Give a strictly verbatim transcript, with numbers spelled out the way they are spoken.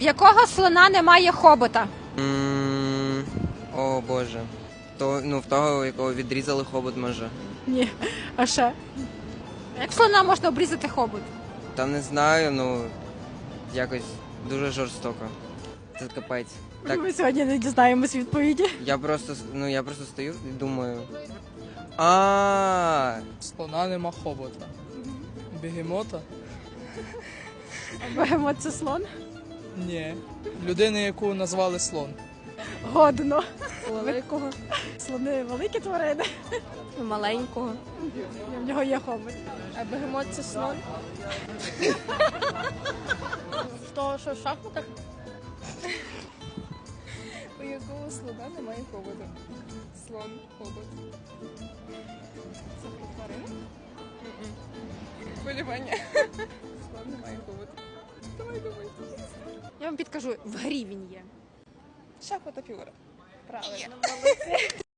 В якого слона немає хобота? М, О боже. То, ну, в того, якого відрізали хобот, може. Ні. А ще? Як слона можна обрізати хобот? Та не знаю, ну якось дуже жорстоко. Це капець. Так, Ми сьогодні не дізнаємось відповіді. я просто ну я просто стою і думаю. А, Слона нема хобота. Бегемота? Бегемот це слон? Ні. Людини, яку назвали слон. Годно. Великого, Слони великі тварини. маленького. В нього є хобот. А бегемот це слон. В того, що в шахматах? У якого слона немає хобота. Слон, хобот. Це про тварину? Полювання. Слон немає хобота. Давай, давай. Я вам підкажу, в грі він є. Шахмата фігура. Правильно.